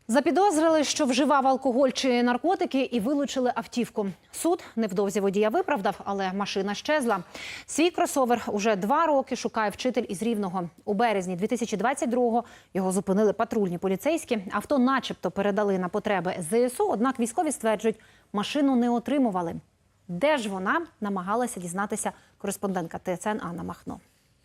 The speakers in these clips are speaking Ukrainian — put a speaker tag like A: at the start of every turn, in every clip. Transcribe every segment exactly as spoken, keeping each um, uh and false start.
A: Запідозрили, що вживав алкоголь чи наркотики, і вилучили автівку. Суд невдовзі водія виправдав, але машина щезла. Свій кросовер уже два роки шукає вчитель із Рівного. У березні дві тисячі двадцять другого його зупинили патрульні поліцейські. Авто начебто передали на потреби ес зе ес у, однак військові стверджують, машину не отримували. Де ж вона, намагалася дізнатися кореспондентка те ес ен Анна Махно.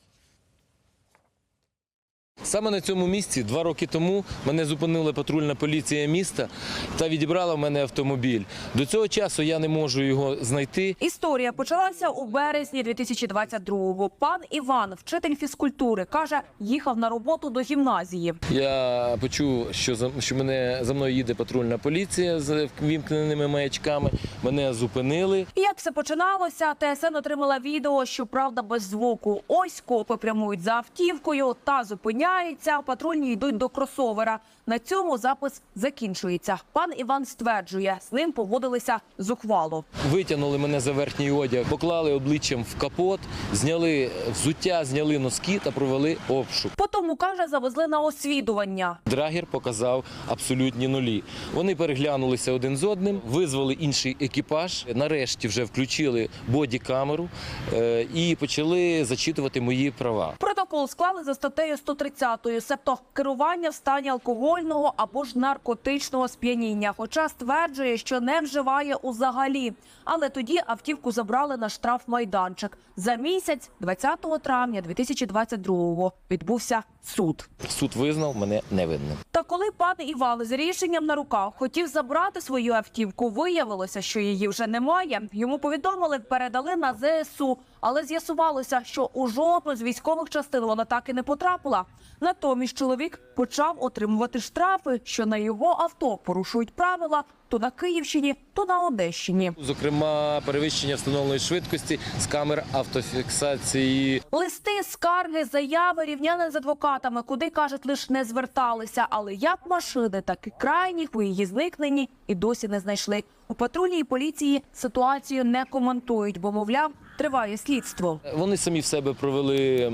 B: Саме на цьому місці два роки тому мене зупинила патрульна поліція міста та відібрала в мене автомобіль. До цього часу я не можу його знайти.
C: Історія почалася у березні дві тисячі двадцять другого. Пан Іван, вчитель фізкультури, каже, їхав на роботу до гімназії.
B: Я почув, що за, що мене за мною їде патрульна поліція з вімкненими маячками. Мене зупинили.
C: І як все починалося, те ес ен отримала відео, щоправда, без звуку. Ось копи прямують за автівкою та зупиняють. Патрульні йдуть до кросовера. На цьому запис закінчується. Пан Іван стверджує, з ним поводилися зухвало.
B: Витягнули мене за верхній одяг, поклали обличчям в капот, зняли взуття, зняли носки та провели обшук.
C: Потім, каже, завезли на освідування.
B: Драгер показав абсолютні нулі. Вони переглянулися один з одним, визвали інший екіпаж. Нарешті вже включили бодікамеру е і почали зачитувати мої права.
C: Протокол склали за статтею сто тридцятою, себто керування в стані алкогольного або ж наркотичного сп'яніння. Хоча стверджує, що не вживає взагалі. Але тоді автівку забрали на штрафмайданчик. За місяць, двадцятого травня дві тисячі двадцять другого, відбувся суд.
B: Суд визнав мене невинним.
C: Та коли пан Іван з рішенням на руках хотів забрати свою автівку, виявилося, що її вже немає. Йому повідомили, передали на ес зе ес у. Але з'ясувалося, що у жодну з військових частин вона так і не потрапила. Натомість чоловік почав отримувати штрафи, що на його авто порушують правила то на Київщині, то на Одещині.
B: Зокрема, перевищення встановленої швидкості з камер автофіксації.
C: Листи, скарги, заяви рівняли з адвокатами, куди, кажуть, лише не зверталися. Але як машини, так і крайніх у її зникненні і досі не знайшли. У патрульній поліції ситуацію не коментують, бо, мовляв, триває слідство.
B: Вони самі в себе провели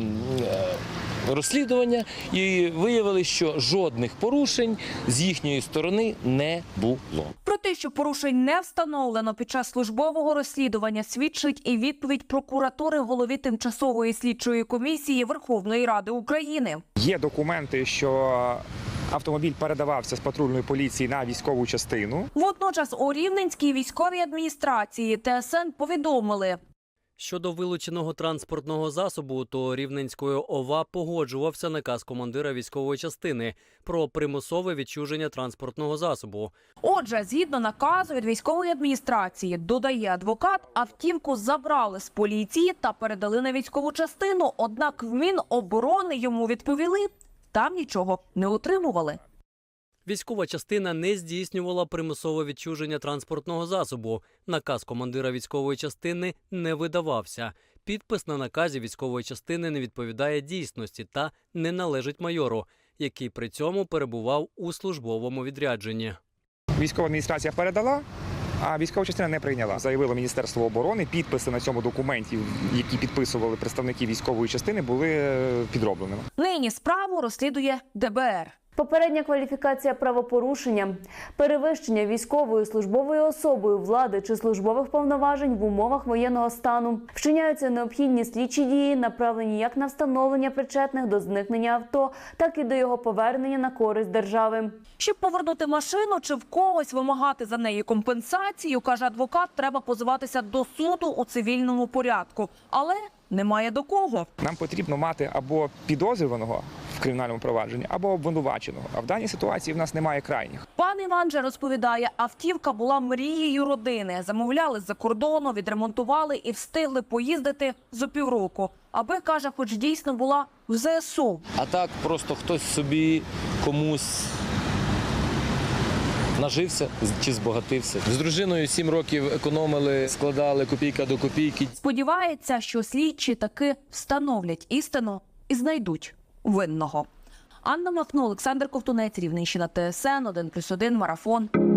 B: розслідування і виявили, що жодних порушень з їхньої сторони не було.
C: Про те, що порушень не встановлено під час службового розслідування, свідчить і відповідь прокуратури голові Тимчасової слідчої комісії Верховної Ради України.
D: Є документи, що автомобіль передавався з патрульної поліції на військову частину.
C: Водночас у Рівненській військовій адміністрації те ес ен повідомили.
E: Щодо вилученого транспортного засобу, то Рівненською о ва погоджувався наказ командира військової частини про примусове відчуження транспортного засобу.
C: Отже, згідно наказу від військової адміністрації, додає адвокат, автівку забрали з поліції та передали на військову частину, однак в Міноборони йому відповіли, там нічого не отримували.
E: Військова частина не здійснювала примусове відчуження транспортного засобу. Наказ командира військової частини не видавався. Підпис на наказі військової частини не відповідає дійсності та не належить майору, який при цьому перебував у службовому відрядженні.
D: Військова адміністрація передала, а військова частина не прийняла. Заявило Міністерство оборони, підписи на цьому документі, які підписували представники військової частини, були підробленими.
C: Нині справу розслідує де бе ер.
F: Попередня кваліфікація правопорушення, перевищення військовою службовою особою влади чи службових повноважень в умовах воєнного стану. Вчиняються необхідні слідчі дії, направлені як на встановлення причетних до зникнення авто, так і до його повернення на користь держави.
C: Щоб повернути машину чи в когось вимагати за неї компенсацію, каже адвокат, треба позиватися до суду у цивільному порядку. Але немає до кого.
D: Нам потрібно мати або підозрюваного в кримінальному провадженні, або обвинуваченого. А в даній ситуації в нас немає крайніх.
C: Пан Іван же розповідає, автівка була мрією родини. Замовляли з-за кордону, відремонтували і встигли поїздити за півроку. Аби, каже, хоч дійсно була в ес зе ес у.
B: А так просто хтось собі комусь нажився чи збагатився. З дружиною сім років економили, складали копійка до копійки.
C: Сподівається, що слідчі таки встановлять істину і знайдуть винного. Анна Махно, Олександр Ковтунець, Рівненщина, те ес ен, один плюс один, Марафон.